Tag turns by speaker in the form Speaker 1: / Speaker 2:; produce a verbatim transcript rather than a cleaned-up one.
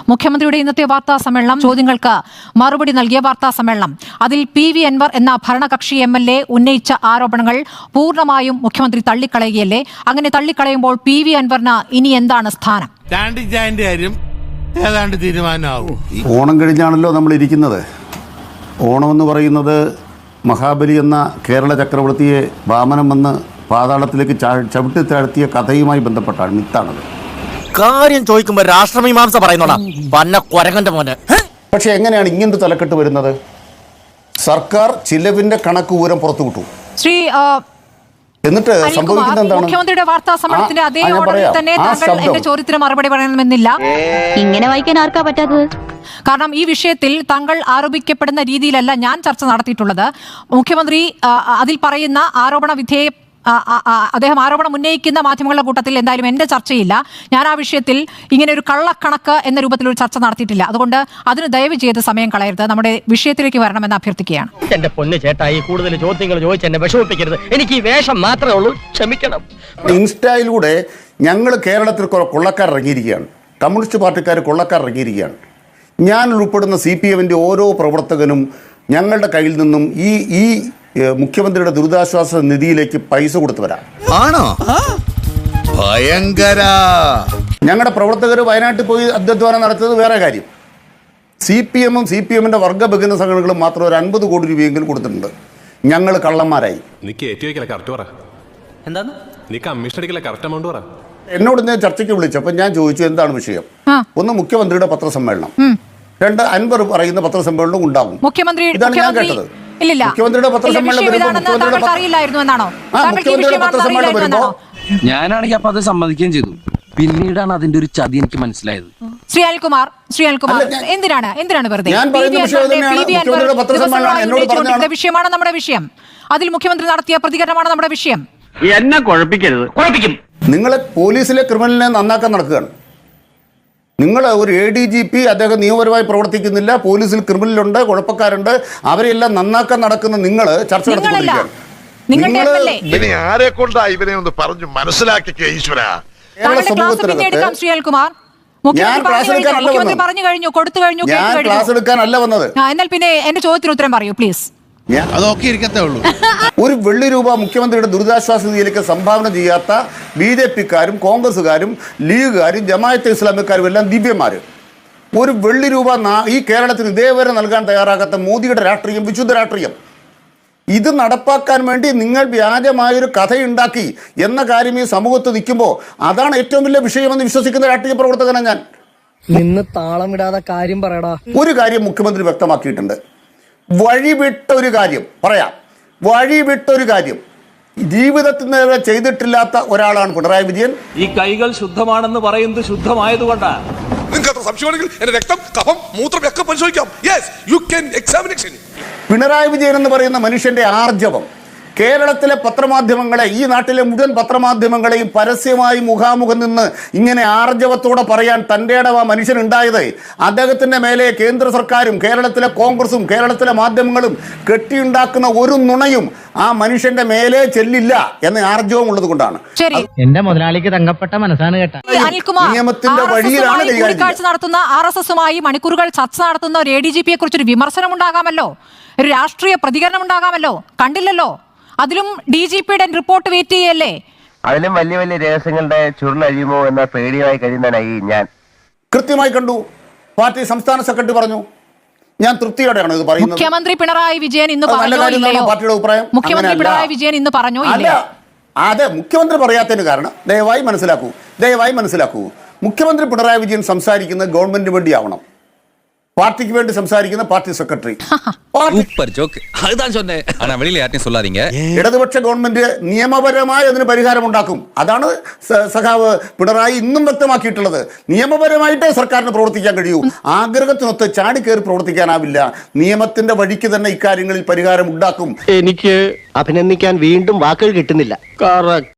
Speaker 1: മുഖ്യമന്ത്രിയുടെ ഇന്നത്തെ വാർത്താ സമ്മേളനം ചോദ്യങ്ങൾക്ക് മറുപടി നൽകിയ വാർത്താ സമ്മേളനം അതിൽ പി വി അൻവർ എന്ന ഭരണകക്ഷി എം എൽ എ ഉന്നയിച്ച ആരോപണങ്ങൾ പൂർണ്ണമായും മുഖ്യമന്ത്രി തള്ളിക്കളയുകയല്ലേ? അങ്ങനെ തള്ളിക്കളയുമ്പോൾ പി വി അൻവറിന് ഇനി എന്താണ് സ്ഥാനം?
Speaker 2: ഏതാണ്ട് തീരുമാനമാവും.
Speaker 3: ഓണം കഴിഞ്ഞാണല്ലോ നമ്മൾ ഇരിക്കുന്നത്. ഓണം എന്ന് പറയുന്നത് മഹാബലി എന്ന കേരള ചക്രവർത്തിയെ വാമനം വന്ന് പാതാളത്തിലേക്ക് ചവിട്ടി താഴ്ത്തിയ കഥയുമായി ബന്ധപ്പെട്ടാണ്, മിത്താണത്.
Speaker 4: കാര്യം ചോദിക്കുമ്പോ രാഷ്ട്രമീമാംസ പറയുന്നോടാ പന്ന കൊരങ്ങന്റെ മോനെ.
Speaker 3: പക്ഷെ എങ്ങനെയാണ് ഇങ്ങനത്തെ തലക്കെട്ട് വരുന്നത്? സർക്കാർ ചിലവിന്റെ കണക്ക് ഊരം പുറത്തുവിട്ടു.
Speaker 1: ശ്രീ
Speaker 3: എന്നിട്ട് സംഭവിക്കുന്നത് എന്താണ്?
Speaker 1: മുഖ്യമന്ത്രിയുടെ വാർത്താ സമ്മേളനത്തിന്റെ അതേ ഓർഡറിൽ തന്നെ താങ്കൾ എന്റെ ചോദ്യത്തിന് മറുപടി പറയണമെന്നില്ല.
Speaker 5: ഇങ്ങനെ വായിക്കാൻ ആർക്കാ പറ്റാത്തത്?
Speaker 1: കാരണം ഈ വിഷയത്തിൽ താങ്കൾ ആരോപിക്കപ്പെടുന്ന രീതിയിലല്ല ഞാൻ ചർച്ച നടത്തിയിട്ടുള്ളത്. മുഖ്യമന്ത്രി അതിൽ പറയുന്ന ആരോപണ വിധേയ അദ്ദേഹം ആരോപണം ഉന്നയിക്കുന്ന മാധ്യമങ്ങളുടെ കൂട്ടത്തിൽ എന്തായാലും എന്റെ ചർച്ചയില്ല. ഞാൻ ആ വിഷയത്തിൽ ഇങ്ങനെ ഒരു കള്ളക്കണക്ക് എന്ന രൂപത്തിൽ ഒരു ചർച്ച നടത്തിയിട്ടില്ല. അതുകൊണ്ട് അതിന് ദയവ് ചെയ്ത് സമയം കളയരുത്, നമ്മുടെ വിഷയത്തിലേക്ക് വരണമെന്ന് അഭ്യർത്ഥിക്കുകയാണ്.
Speaker 4: എന്റെ പൊന്ന് ചേട്ടായി, കൂടുതൽ ചോദ്യങ്ങൾ ചോദിച്ച് എന്നെ വിഷമിപ്പിക്കരുത്. എനിക്ക് ഈ വേഷം മാത്രമേ ഉള്ളൂ, ക്ഷമിക്കണം.
Speaker 3: ഇൻസ്റ്റയിലൂടെ ഞങ്ങൾ കേരളത്തിൽ കൊള്ളക്കാർ ഇറങ്ങിയിരിക്കുകയാണ്, കമ്മ്യൂണിസ്റ്റ് പാർട്ടിക്കാർ കൊള്ളക്കാർ ഇറങ്ങിയിരിക്കുകയാണ്. ഞാൻ ഉൾപ്പെടുന്ന സി പി എമ്മിൻ്റെ ഓരോ പ്രവർത്തകനും ഞങ്ങളുടെ കയ്യിൽ നിന്നും ഈ ഈ മുഖ്യമന്ത്രിയുടെ ദുരിതാശ്വാസ നിധിയിലേക്ക് പൈസ കൊടുത്തവരാ.
Speaker 2: ആണോ? ഭയങ്കര.
Speaker 3: ഞങ്ങളുടെ പ്രവർത്തകർ വയനാട്ടിൽ പോയി അധ്വാനം നടത്തിയത് വേറെ കാര്യം. സി പി എമ്മും സി പി എമ്മിൻ്റെ വർഗ്ഗഭജന സംഘടനകളും മാത്രം ഒരു അൻപത് കോടി രൂപയെങ്കിലും കൊടുത്തിട്ടുണ്ട്. ഞങ്ങൾ കള്ളന്മാരായി. എന്നോട് ഞാൻ ചർച്ചയ്ക്ക് വിളിച്ചപ്പോൾ ഞാൻ ചോദിച്ചു എന്താണ് വിഷയം. ഒന്ന് മുഖ്യമന്ത്രിയുടെ പത്രസമ്മേളനം, രണ്ട് അൻവർ പറയുന്ന പത്രസമ്മേളനം ഉണ്ടാകും. ഇതാണ് ഞാൻ കേട്ടത്. മുഖ്യമന്ത്രിയുടെ പത്രസമ്മേളനം വരുമ്പോ
Speaker 6: ഞാനാണെങ്കിൽ അപ്പൊ അത് സമ്മതിക്കുകയും ചെയ്തു. പിന്നീടാണ് അതിന്റെ ഒരു ചതി എനിക്ക് മനസ്സിലായത്.
Speaker 1: ശ്രീ അനിൽകുമാർ, ശ്രീ അനിൽകുമാർ എന്തിനാണ് എന്തിനാണ് വെറുതെ വിഷയമാണ് നമ്മുടെ വിഷയം. അതിൽ മുഖ്യമന്ത്രി നടത്തിയ പ്രതികരണമാണ് നമ്മുടെ വിഷയം.
Speaker 4: എന്നെ കുഴപ്പിക്കരുത്, കുഴപ്പിക്കും.
Speaker 3: നിങ്ങളെ പോലീസിലെ ക്രിമിനലിനെ നന്നാക്കാൻ നടക്കുകയാണ്. നിങ്ങൾ ഒരു എ ഡി ജി പി അദ്ദേഹം നിയമപരമായി പ്രവർത്തിക്കുന്നില്ല, പോലീസിൽ ക്രിമിനലുണ്ട്, കുഴപ്പക്കാരുണ്ട്, അവരെല്ലാം നന്നാക്കാൻ നടക്കുന്ന നിങ്ങൾ ചർച്ച നടത്തിക്കൊണ്ടിരിക്കുകയാണ്.
Speaker 2: ആരെ കൊണ്ടാ ഇവനെ ഒന്ന് പറഞ്ഞു മനസ്സിലാക്കിക്കേ ഈശ്വര.
Speaker 3: കേരള സമൂഹത്തിനകത്ത് ഞാൻ ക്ലാസ് എടുക്കാനല്ല വന്നത്. ഞാൻ ക്ലാസ് എടുക്കാനല്ല വന്നത്.
Speaker 1: എന്നാൽ പിന്നെ എന്റെ ചോദ്യത്തിന് ഉത്തരം പറയൂ പ്ലീസ്.
Speaker 2: അതൊക്കെ ഇരിക്കത്തേ ഉള്ളൂ.
Speaker 3: ഒരു വെള്ളി രൂപ മുഖ്യമന്ത്രിയുടെ ദുരിതാശ്വാസ നിധിയിലേക്ക് സംഭാവന ചെയ്യാത്ത ബി ജെ പിക്കാരും കോൺഗ്രസ്സുകാരും ലീഗുകാരും ജമാഅത്തെ ഇസ്ലാമിക്കാരും എല്ലാം ദിവ്യന്മാർ. ഒരു വെള്ളി രൂപ ഈ കേരളത്തിന് ഇതേവരെ നൽകാൻ തയ്യാറാകാത്ത മോദിയുടെ രാഷ്ട്രീയം വിശുദ്ധ രാഷ്ട്രീയം. ഇത് നടപ്പാക്കാൻ വേണ്ടി നിങ്ങൾ വ്യാജമായൊരു കഥയുണ്ടാക്കി എന്ന കാര്യം ഈ സമൂഹത്ത് നിൽക്കുമ്പോൾ അതാണ് ഏറ്റവും വലിയ വിഷയമെന്ന് വിശ്വസിക്കുന്ന രാഷ്ട്രീയ പ്രവർത്തകനാണ് ഞാൻ.
Speaker 7: നിന്ന് താളം ഇടാതെ കാര്യം പറയടാ.
Speaker 3: ഒരു കാര്യം മുഖ്യമന്ത്രി വ്യക്തമാക്കിയിട്ടുണ്ട്. വഴിവിട്ട ഒരു കാര്യം പറയാം, വഴിവിട്ടൊരു കാര്യം ജീവിതത്തിൽ നേരെ ചെയ്തിട്ടില്ലാത്ത ഒരാളാണ് പിണറായി വിജയൻ.
Speaker 8: ഈ കൈകൾ ശുദ്ധമാണെന്ന് പറയുന്നത് ശുദ്ധമായതുകൊണ്ടാണ്.
Speaker 2: നിങ്ങൾക്ക് സംശയമാണെങ്കിൽ എന്റെ രക്തം, കഫം, മൂത്രം ഒക്കെ പരിശോധിക്കാം. Yes, you can examination.
Speaker 3: Pinarayi Vijayan എന്ന് പറയുന്ന മനുഷ്യന്റെ ആർജവം കേരളത്തിലെ പത്രമാധ്യമങ്ങളെ, ഈ നാട്ടിലെ മുഴുവൻ പത്രമാധ്യമങ്ങളെയും പരസ്യമായി മുഖാമുഖം നിന്ന് ഇങ്ങനെ ആർജവത്തോടെ പറയാൻ തൻ്റെ ഇടം ആ മനുഷ്യനുണ്ടായത് അദ്ദേഹത്തിൻ്റെ മേലെ കേന്ദ്ര സർക്കാരും കേരളത്തിലെ കോൺഗ്രസും കേരളത്തിലെ മാധ്യമങ്ങളും കെട്ടിയുണ്ടാക്കുന്ന ഒരു നുണയും ആ മനുഷ്യന്റെ മേലെ ചെല്ലില്ല എന്ന ആർജവം ഉള്ളത് കൊണ്ടാണ്.
Speaker 7: എന്റെ മുതലാളിക്ക് തങ്കപ്പെട്ട മനസ്സാണ് കേട്ട.
Speaker 3: നിയമത്തിന്റെ വഴിയിലാണ്
Speaker 1: കൂടിക്കാഴ്ച നടത്തുന്ന ആർ എസ് എസുമായി മണിക്കൂറുകൾ ചർച്ച നടത്തുന്ന ഒരു എ ഡി ജി പിയെ കുറിച്ചൊരു വിമർശനം ഉണ്ടാകാമല്ലോ, ഒരു രാഷ്ട്രീയ പ്രതികരണം ഉണ്ടാകാമല്ലോ. കണ്ടില്ലല്ലോ. അതിലും ഡി ജി പിയുടെ റിപ്പോർട്ട് വെയിറ്റ് ചെയ്യല്ലേ?
Speaker 9: അതിലും വലിയ വലിയ രഹസ്യങ്ങളുടെ ചുരുളഴിയുമോ എന്ന പേടിയായി കഴിയുന്നതായി ഞാൻ
Speaker 3: കൃത്യമായി കണ്ടു. പാർട്ടി സംസ്ഥാന സെക്രട്ടറി പറഞ്ഞു. ഞാൻ തൃപ്തിയോടെയാണ് ഇത് പറയുന്നത്.
Speaker 1: മുഖ്യമന്ത്രി പിണറായി വിജയൻ ഇന്ന് പറഞ്ഞോ ഇല്ലയോ?
Speaker 3: പാർട്ടിയുടെ അഭിപ്രായം
Speaker 1: മുഖ്യമന്ത്രി പിണറായി വിജയൻ ഇന്ന് പറഞ്ഞോ
Speaker 3: അല്ല. അതെ, മുഖ്യമന്ത്രി പറയാത്തതിന് കാരണം ദയവായി മനസ്സിലാക്കൂ, ദയവായി മനസ്സിലാക്കൂ. മുഖ്യമന്ത്രി പിണറായി വിജയൻ സംസാരിക്കുന്നത് ഗവൺമെന്റിന് വേണ്ടിയാവണം. പാർട്ടിക്ക് വേണ്ടി സംസാരിക്കുന്ന പാർട്ടി സെക്രട്ടറി. ഇടതുപക്ഷ ഗവൺമെന്റ് നിയമപരമായി അതിന് പരിഹാരമുണ്ടാക്കും. അതാണ് സഖാവ് പിണറായി ഇന്നും വ്യക്തമാക്കിയിട്ടുള്ളത്. നിയമപരമായിട്ടേ സർക്കാരിന് പ്രവർത്തിക്കാൻ കഴിയൂ. ആഗ്രഹത്തിനൊത്ത് ചാടിക്കേറി പ്രവർത്തിക്കാനാവില്ല. നിയമത്തിന്റെ വഴിക്ക് തന്നെ ഇക്കാര്യങ്ങളിൽ പരിഹാരം ഉണ്ടാക്കും.
Speaker 4: എനിക്ക് അഭിനന്ദിക്കാൻ വീണ്ടും വാക്കുകൾ കിട്ടുന്നില്ല.